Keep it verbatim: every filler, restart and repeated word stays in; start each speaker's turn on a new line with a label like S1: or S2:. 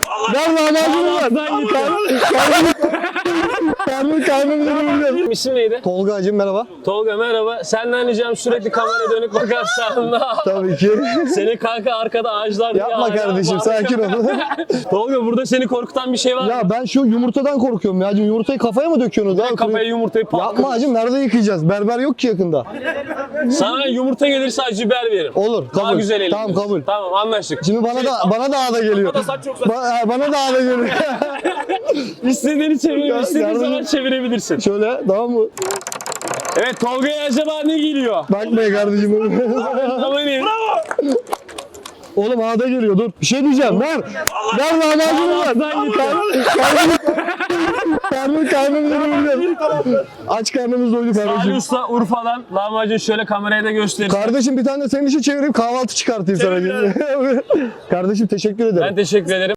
S1: Ver lahmacunu ver. Karnım karnım karnım karnım.
S2: İsim neydi?
S1: Tolga'cığım merhaba.
S2: Tolga merhaba. Senden ricam sürekli kameraya dönük bakarsan.
S1: Tabii ki.
S2: Seni kanka arkada ağaçlar diye
S1: Yapma
S2: hala
S1: kardeşim
S2: var.
S1: sakin ol.
S2: Tolga burada seni korkutan bir şey var mı?
S1: Ya ben şu yumurtadan korkuyorum ya. Yumurtayı kafaya mı döküyorsunuz?
S2: Ne kafaya yumurtayı patlatıyorsun?
S1: Yapma hacım, nerede yıkayacağız? Berber yok ki yakında.
S2: Sana yumurta gelirse acı biber veririm.
S1: Olur,
S2: Daha
S1: kabul.
S2: güzel eğleniriz.
S1: Tamam, kabul.
S2: Tamam anlaştık.
S1: Şimdi bana da bana da ağda geliyor.
S2: Bana da saç çok saç.
S1: Ba- bana da ağda geliyor.
S2: İstediğini çevir,
S1: Ya,
S2: istediğin
S1: yardım-
S2: zaman çevirebilirsin.
S1: Şöyle, tamam mı?
S2: Evet Tolga'ya acaba ne geliyor?
S1: Bakmayın kardeşim.
S2: Tamam iyi.
S1: Oğlum ağda geliyor, dur. Bir şey diyeceğim, ver. Ver lahmacunu ver.
S2: Allah'tan git.
S1: Karnım karnım karnım. Aç karnımız doydu
S2: Ali
S1: kardeşim.
S2: Usta Urfa'dan lahmacun şöyle kameraya da gösterir.
S1: Kardeşim bir tane de senin için çevireyim, kahvaltı çıkartayım sana. Kardeşim teşekkür ederim.
S2: Ben teşekkür ederim.